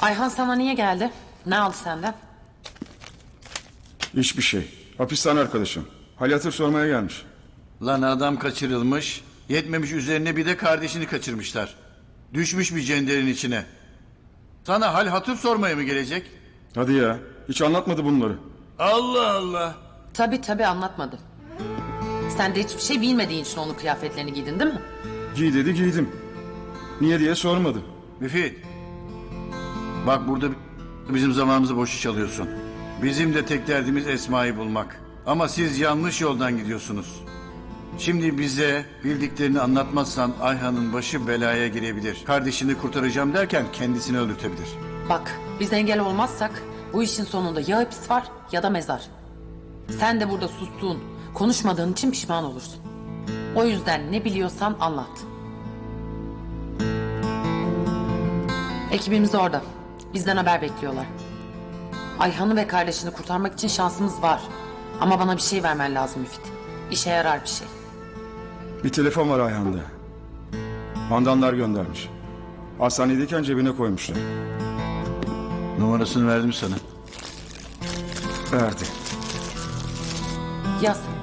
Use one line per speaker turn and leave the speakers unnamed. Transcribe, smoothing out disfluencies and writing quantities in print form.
Ayhan sana niye geldi? Ne aldı senden?
Hiçbir şey. Hapishane arkadaşım. Hal hatır sormaya gelmiş.
Lan adam kaçırılmış. Yetmemiş üzerine bir de kardeşini kaçırmışlar. Düşmüş bir cenderin içine. Sana hal hatır sormaya mı gelecek?
Hadi ya. Hiç anlatmadı bunları.
Allah Allah.
Tabii anlatmadım. Sen de hiçbir şey bilmediğin için onun kıyafetlerini giydin değil mi?
Giy dedi giydim. Niye diye sormadı.
Müfit. Bak burada bizim zamanımızı boşu çalıyorsun. Bizim de tek derdimiz Esma'yı bulmak. Ama siz yanlış yoldan gidiyorsunuz. Şimdi bize bildiklerini anlatmazsan Ayhan'ın başı belaya girebilir. Kardeşini kurtaracağım derken kendisini öldürtebilir.
Bak biz engel olmazsak bu işin sonunda ya hapis var ya da mezar. Sen de burada sustuğun, konuşmadığın için pişman olursun. O yüzden ne biliyorsan anlat. Ekibimiz orada. Bizden haber bekliyorlar. Ayhan'ı ve kardeşini kurtarmak için şansımız var. Ama bana bir şey vermen lazım Müfit. İşe yarar bir şey.
Bir telefon var Ayhan'da. Handanlar göndermiş. Hastanedeyken cebine koymuşlar.
Numarasını verdim sana.
Verdi.
Yaz.